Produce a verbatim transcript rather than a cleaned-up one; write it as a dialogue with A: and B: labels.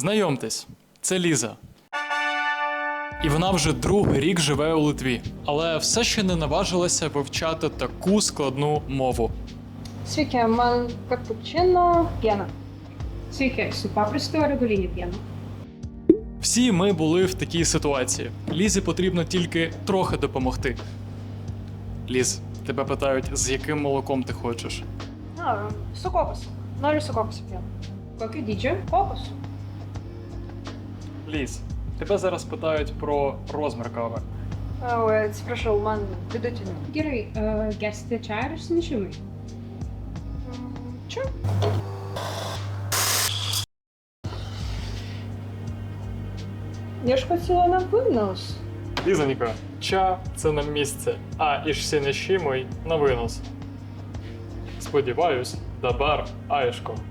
A: Знайомтесь, це Ліза. І вона вже другий рік живе у Литві, але все ще не наважилася вивчати таку складну мову.
B: Sveiki, man капучино, п'яна.
C: Sveiki, su paprastu ar reguliniu pienu?
A: Всі ми були в такій ситуації. Лізі потрібно тільки трохи допомогти. Ліз, тебе питають, з яким молоком ти хочеш.
B: А, su kokosu. Noriu su kokosu pjenu.
C: Kokio dydžio?
B: Kokosu.
A: Ліз, тебе зараз питають про розмір кави.
B: Ой, atsiprašau, man vidutinio.
C: Gerai, uh, gersite čają ar išsinešimui?
B: Čia? Ieškot siūlo на винос.
A: Лізонька, ча – це на місце, а ішсінешімой – на винос. Сподіваюсь, дабар аєшко.